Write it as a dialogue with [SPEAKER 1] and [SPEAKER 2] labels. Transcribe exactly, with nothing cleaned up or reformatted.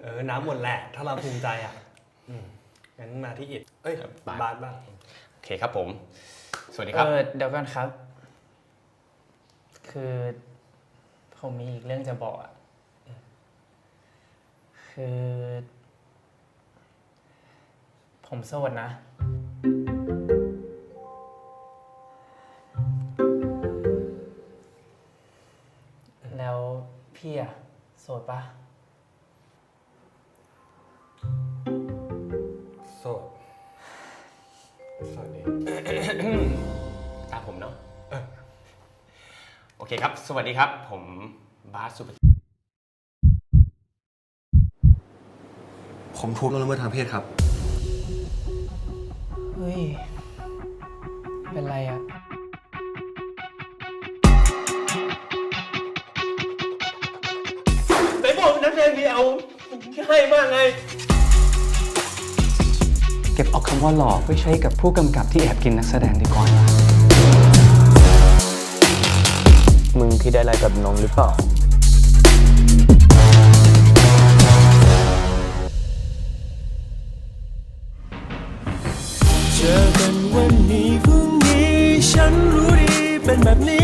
[SPEAKER 1] เออน้ำหมดแหละถ้าเราภูมิใจอ่ะงั้นมาที่อิดเอ้ยบาสบ้าง
[SPEAKER 2] โอเคครับผมสวัสดีครับ
[SPEAKER 3] เออเดี๋ยวก่อนครับ คือผมมีอีกเรื่องจะบอกอ่ะคือ ผมโสดนะ แล้วพี่อ่ะโสดปะ
[SPEAKER 1] โสดสวัสดี
[SPEAKER 2] ตามผมเนาะโอเคครับสวัสดีครับผมบาสสุภกิจ
[SPEAKER 4] ผมถูกล่วงละเมิดทางเพศครับ
[SPEAKER 3] เฮ้ย เป็นไรอ่ะ
[SPEAKER 1] ไหนบอกนักแสดงดีเอาให้มากไง
[SPEAKER 5] เก็บเอาคำว่าหล่อไว้ใช้กับผู้กำกับที่แอบกินนักแสดงดีกว่านะมึงที่ได้อะไรกับน้องหรือเปล่า
[SPEAKER 6] เจอกันวันนี้พรุ่งนี้ฉันรู้ดีเป็นแบบนี้